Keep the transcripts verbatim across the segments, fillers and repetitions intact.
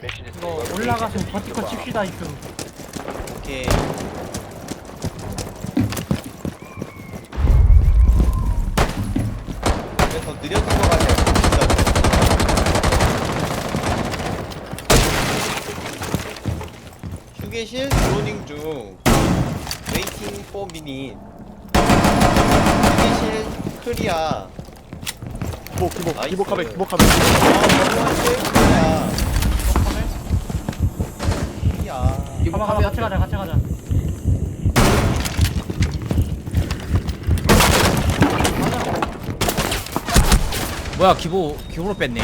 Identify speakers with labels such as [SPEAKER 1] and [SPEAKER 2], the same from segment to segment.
[SPEAKER 1] 이거 올라가서 버티커 칩시다 이끔.
[SPEAKER 2] 오케이. 더 느렸던 것 같아요. 휴게실 드로닝 중. 웨이팅 포 미닛. 휴게실 클리어.
[SPEAKER 3] 기복 기복
[SPEAKER 2] 나이스.
[SPEAKER 3] 기복하면 기복하면.
[SPEAKER 2] 아, 클리어. 클리어.
[SPEAKER 1] 가봐 가봐 같이 가자 같이 가자.
[SPEAKER 4] 뭐야 기보 기보로 뺐네.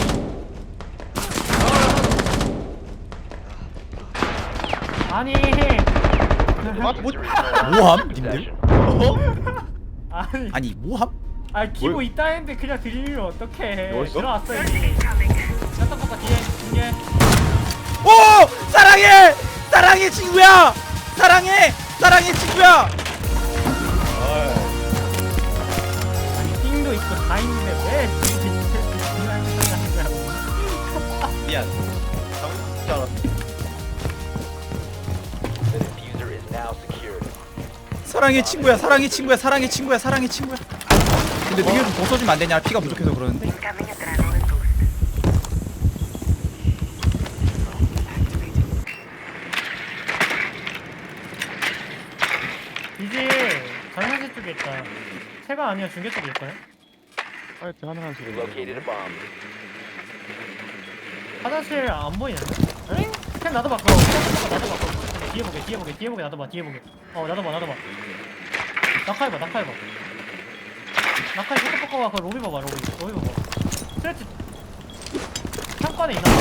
[SPEAKER 1] 아니.
[SPEAKER 2] 아, 뭐?
[SPEAKER 4] 뭐함 님들?
[SPEAKER 2] 어?
[SPEAKER 1] 아니.
[SPEAKER 4] 아니 뭐함?
[SPEAKER 1] 아 기보
[SPEAKER 3] 뭘-
[SPEAKER 1] 있다 했는데 그냥 들리면 어떡해.
[SPEAKER 3] 뭐 있어?
[SPEAKER 1] 들어왔어 이미. 샷터퍼가 뒤에 뒤에.
[SPEAKER 4] 오 사랑해 사랑해 친구야 사랑해 사랑해 친구야.
[SPEAKER 1] 아니 띵도 있고 다 있는데 왜 중요한 소리 하는 거야?
[SPEAKER 2] 미안. 잘못 줄 알았어.
[SPEAKER 4] 사랑해 친구야 사랑해 친구야 사랑해 친구야 사랑해 친구야. 근데 능력 좀더 써주면 안 되냐? 피가 부족해서 그러는데.
[SPEAKER 1] 이제 장난실 쪽에 있다. 새가 아니야 중계 쪽에 있거든.
[SPEAKER 3] 하여튼 하나한 소리.
[SPEAKER 1] 화장실 안 보이는데? 응? 캔 나도 봐 그거. 캔 나도 봐 그거. 뒤에 보게 뒤에 보게 뒤에 보게 나도 봐 뒤에 보게. 어 나도 봐 나도 봐. 낙하해봐 낙하해봐. 낙하해 슈퍼포커가 그 로비 봐봐 로비 로비 봐봐. 스트레치 창관에 있나?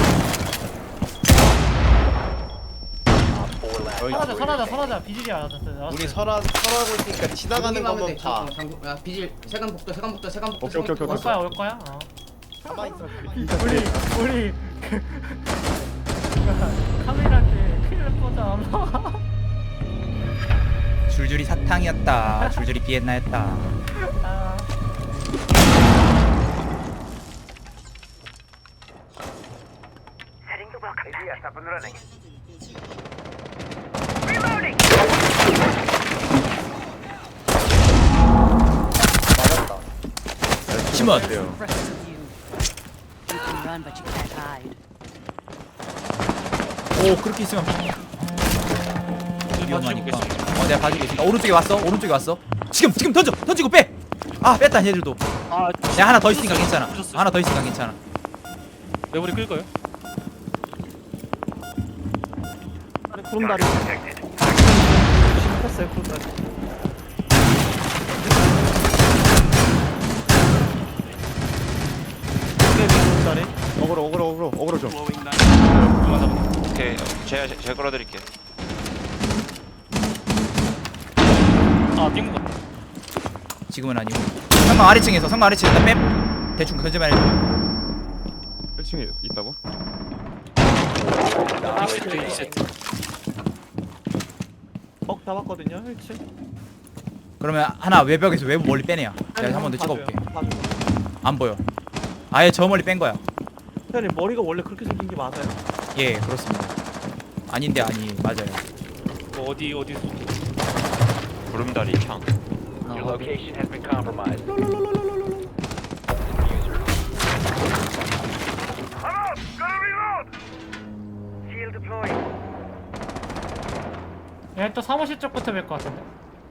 [SPEAKER 1] 사라져 사라져 사라져 비질이 알아졌어.
[SPEAKER 2] 우리 설아 설하고 있으니까 지나가는
[SPEAKER 5] 여기만 하면
[SPEAKER 2] 것만
[SPEAKER 5] 돼.
[SPEAKER 2] 봐.
[SPEAKER 5] 저 장구, 야 비질 세간 복도 세간 복도 세간 복도.
[SPEAKER 3] 오케이, 오케이, 오케이,
[SPEAKER 1] 올
[SPEAKER 3] 오케이.
[SPEAKER 1] 거야 올 거야. 어.
[SPEAKER 2] 가만히 있어.
[SPEAKER 1] 우리 우리 그 카메라한테 큰일 날 뻔하잖아.
[SPEAKER 4] 줄줄이 사탕이었다. 줄줄이 비엔나였다.
[SPEAKER 1] 아.
[SPEAKER 2] 맞았다.
[SPEAKER 4] 심원.
[SPEAKER 6] You can run, but you can't hide.
[SPEAKER 4] 오 그렇게 있으면 위험하니까. 어 내가 봐주고 있으니까. 오른쪽에 왔어 오른쪽에 왔어. 지금 지금 던져 던지고 빼. 아 뺐다 얘들도.
[SPEAKER 7] 아,
[SPEAKER 4] 야 하나 더 있으니까 괜찮아. 하나 더 있으니까 괜찮아.
[SPEAKER 7] 메모리 끌 거예요?
[SPEAKER 3] 구름다리. 심했어요 구름다리. 구름다리. 어그로 어그로 어그로 어그로 좀.
[SPEAKER 8] 오케이, 제가 제가 끌어드릴게요.
[SPEAKER 7] 아, 빙고 같다.
[SPEAKER 4] 지금은 아니고. 상방 아래층에서 상방 아래층 일단 뺨. 대충 던져만 해줘.
[SPEAKER 3] 일 층에 있다고?
[SPEAKER 7] 이 세트, 이 세트.
[SPEAKER 3] 뻑 잡았거든요 일 층.
[SPEAKER 4] 그러면 하나 외벽에서 외부 멀리 빼내야. 내가 한 번 더 찍어볼게. 안 보여. 아예 저 멀리 뺀 거야.
[SPEAKER 3] 사장님 머리가 원래 그렇게 생긴 게 맞아요?
[SPEAKER 4] 예 그렇습니다. 아닌데 아니 맞아요.
[SPEAKER 7] 뭐 어디 어디
[SPEAKER 8] 구름다리 창.
[SPEAKER 1] 얘 또 사무실 쪽부터 뵐 것 같은데.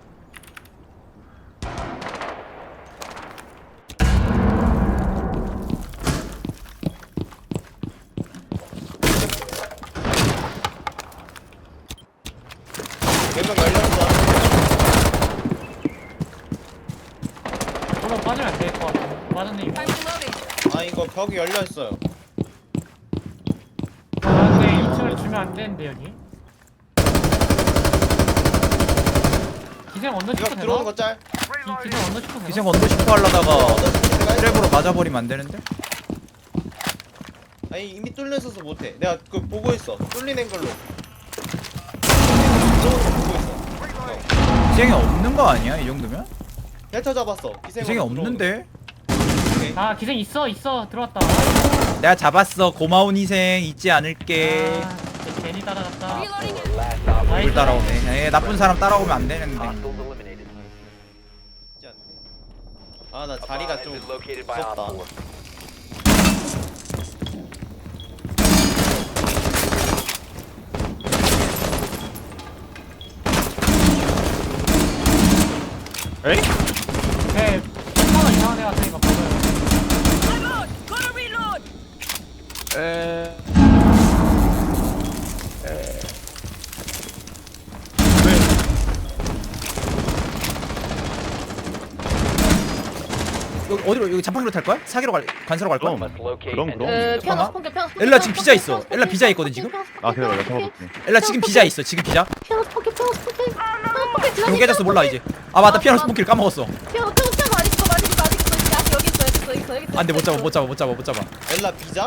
[SPEAKER 2] 몇명 열렸어.
[SPEAKER 1] 저거 빠지면 안 될 것 같아. 빠졌네 이거.
[SPEAKER 2] 아 이거 벽이 열려 있어요.
[SPEAKER 1] 아 근데 이 층을 주면 안 되는데 여기. 기생 언더
[SPEAKER 2] 이거
[SPEAKER 1] 슈퍼 되나?
[SPEAKER 2] 들어오는 거 짤.
[SPEAKER 1] 기- 기생 언더 슈퍼 되나?
[SPEAKER 4] 기생 언더 슈퍼 하려다가
[SPEAKER 2] 얻어서 내가 했어.
[SPEAKER 4] 트랩으로 맞아버리면 안 되는데?
[SPEAKER 2] 아니 이미 뚫려 있어서 못해. 내가 그 보고 있어. 뚫린 앵글로. 들어오는 거 보고 있어.
[SPEAKER 4] 기생이 없는 거 아니야 이 정도면?
[SPEAKER 2] 델타 잡았어.
[SPEAKER 4] 기생이 없는데?
[SPEAKER 2] 오케이.
[SPEAKER 1] 아 기생 있어 있어 들어왔다.
[SPEAKER 4] 내가 잡았어. 고마운 희생 잊지 않을게.
[SPEAKER 1] 아, 진짜 괜히 따라갔다.
[SPEAKER 4] 물 따라오네. 에, 나쁜 사람 따라오면 안 되는데.
[SPEAKER 2] 아 나 자리가 좀 무섭다.
[SPEAKER 3] 에이?
[SPEAKER 1] 네, 천 원 이상한 애 같으니까 버려요.
[SPEAKER 3] 에...
[SPEAKER 4] 여기 어디로 여기 자판기로 탈 거야? 사기로 갈 관사로 갈 거야?
[SPEAKER 3] 그럼 그럼 그럼
[SPEAKER 6] 에, 피아노
[SPEAKER 4] 잠깐만.
[SPEAKER 6] 스폰게, 피아노 스폰게,
[SPEAKER 4] 엘라 지금
[SPEAKER 6] 피아노
[SPEAKER 4] 비자
[SPEAKER 6] 스폰게,
[SPEAKER 4] 있어.
[SPEAKER 6] 피아노
[SPEAKER 4] 엘라
[SPEAKER 6] 스폰게,
[SPEAKER 4] 비자 있거든,
[SPEAKER 6] 피아노
[SPEAKER 4] 지금?
[SPEAKER 6] 스폰게,
[SPEAKER 3] 아 기다려
[SPEAKER 6] 피아노
[SPEAKER 3] 내가
[SPEAKER 6] 스폰게,
[SPEAKER 3] 잡아볼게.
[SPEAKER 4] 엘라 지금 비자 있어. 지금 비자.
[SPEAKER 6] 피아노 스폰게, 피아노 스폰게, 피아노 스폰게,
[SPEAKER 4] 그럼 깨졌어 몰라 이제. 아 맞다 피아노 스폰키를 까먹었어.
[SPEAKER 6] 피아노, 피아노, 피아노 아직 있어, 아직 있어, 아직 있어, 아직 여기 있어, 여기 있어, 여기 있어, 여기 있어.
[SPEAKER 4] 안돼 못 잡아 못 잡아 못 잡아 못 잡아.
[SPEAKER 2] 엘라 비자?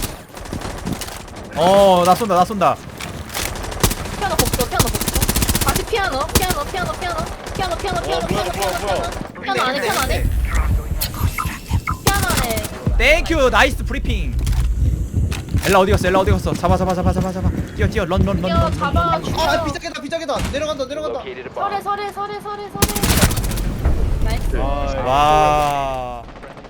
[SPEAKER 4] 어나 쏜다 나 쏜다.
[SPEAKER 6] 피아노 복도, 피아노 복도. 다시 피아노, 피아노, 피아노, 피아노, 피아노, 피아노, 피아노,
[SPEAKER 2] 어, 뭐야,
[SPEAKER 6] 피아노,
[SPEAKER 2] 뭐야,
[SPEAKER 6] 피아노,
[SPEAKER 2] 뭐야.
[SPEAKER 6] 피아노, 피아노 안에, 피아노 안에. 피아노 안에.
[SPEAKER 4] 땡큐 나이스 브리핑. 엘라 어디 갔어? 엘라 어디 갔어? 잡아 잡아 잡아 잡아 잡아. 뛰어 뛰어 런 런 런
[SPEAKER 6] 뛰어,
[SPEAKER 4] 런.
[SPEAKER 6] 잡아,
[SPEAKER 2] 아
[SPEAKER 6] 죽여.
[SPEAKER 2] 비자계다 비자계다 내려간다 내려간다.
[SPEAKER 6] 서래, 서래, 서래, 서래, 서래. 나이스.
[SPEAKER 4] 와.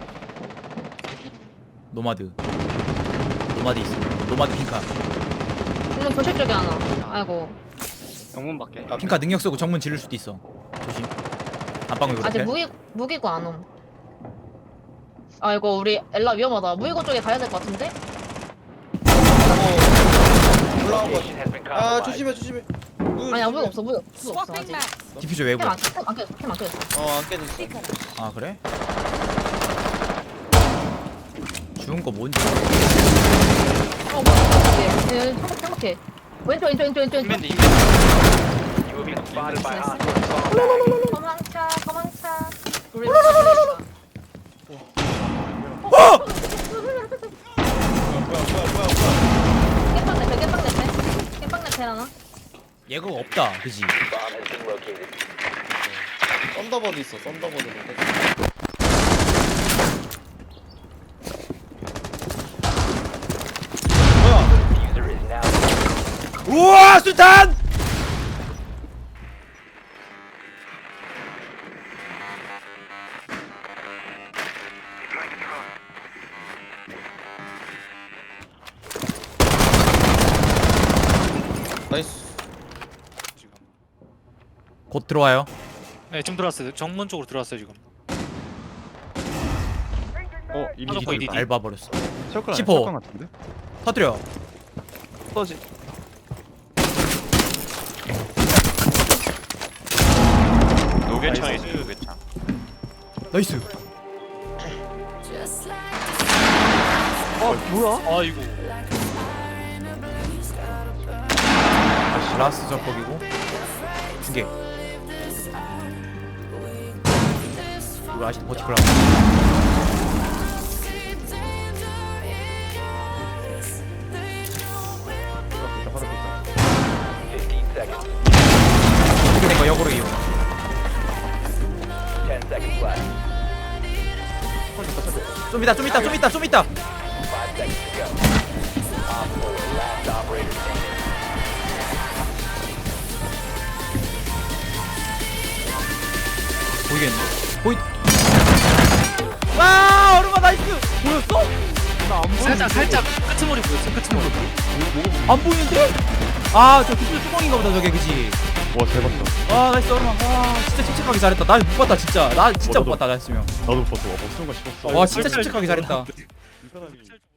[SPEAKER 4] 노마드. 노마드 있어. 노마드 핑카.
[SPEAKER 6] 물론 교실 쪽에 하나. 아이고.
[SPEAKER 7] 영문 밖에.
[SPEAKER 4] 핑카 능력 쓰고 정문 지를 수도 있어. 조심. 안방울
[SPEAKER 6] 아직
[SPEAKER 4] 그렇게.
[SPEAKER 6] 무기 무기고 안 옴. 아 이거 우리 엘라 위험하다. 무기고 쪽에 가야 될 것 같은데?
[SPEAKER 2] 어, 올라온 거. 아 조심해 조심해.
[SPEAKER 6] 아니야 무기 없어 무기 무기 없어 아직.
[SPEAKER 4] 디퓨저 외부.
[SPEAKER 6] 캠안 캠안 깨졌어 캠안 깨졌어.
[SPEAKER 2] 어안 깨졌어.
[SPEAKER 4] 아 그래? 죽은 거 뭔지.
[SPEAKER 6] 어 뭐야? 예, 행복 행복해. 왼쪽 왼쪽 왼쪽 왼쪽 왼쪽.
[SPEAKER 7] 맨디.
[SPEAKER 6] 도망차 도망차. 우리
[SPEAKER 2] 뭐야 뭐야 뭐야 뭐야.
[SPEAKER 6] 깻빵 내패 깻빵 내패 깻빵 내패 하나.
[SPEAKER 4] 얘가 없다. 그지?
[SPEAKER 2] 썬더버드 있어 썬더버드. 뭐야?
[SPEAKER 4] 우와 수탄!
[SPEAKER 2] 나이스.
[SPEAKER 4] 곧 들어와요.
[SPEAKER 7] 네, 지금 들어왔어요. 정문 쪽으로 들어왔어요 지금.
[SPEAKER 3] 어 이미
[SPEAKER 7] 하나
[SPEAKER 3] 이거
[SPEAKER 7] 이디.
[SPEAKER 3] 있다.
[SPEAKER 4] 밟아 버렸어.
[SPEAKER 3] 셜건
[SPEAKER 4] 십호.
[SPEAKER 3] 셜건 같은데?
[SPEAKER 4] 터뜨려.
[SPEAKER 3] 터지.
[SPEAKER 8] 노계창 있어 노계창.
[SPEAKER 4] 나이스.
[SPEAKER 3] 어 뭐야?
[SPEAKER 7] 아이고.
[SPEAKER 4] 라스 적폭이고 두 개. 이거 아직 버티컬 하고. 이렇게 된거 역으로 이용. 좀 있다 좀 있다 좀 있다 좀 있다. 보이겠네. 보이. 와 얼음아 나이스. 보였어?
[SPEAKER 7] 살짝 살짝 끄트머리 보였어. 끄트머리.
[SPEAKER 4] 안 보이는데? 아저 기술 뚜껑인가 보다 저게 그지?
[SPEAKER 3] 와 대박이다.
[SPEAKER 4] 아 나이스 얼음아. 와 진짜 침착하게 잘했다. 나 못 봤다 진짜. 나 진짜
[SPEAKER 3] 어,
[SPEAKER 4] 못
[SPEAKER 3] 나도.
[SPEAKER 4] 봤다 나 했으면.
[SPEAKER 3] 나도 봤어. 와, 뭐 쓰는 거 싶었어.
[SPEAKER 4] 와 진짜 침착하게 잘했다.
[SPEAKER 3] 이 사람이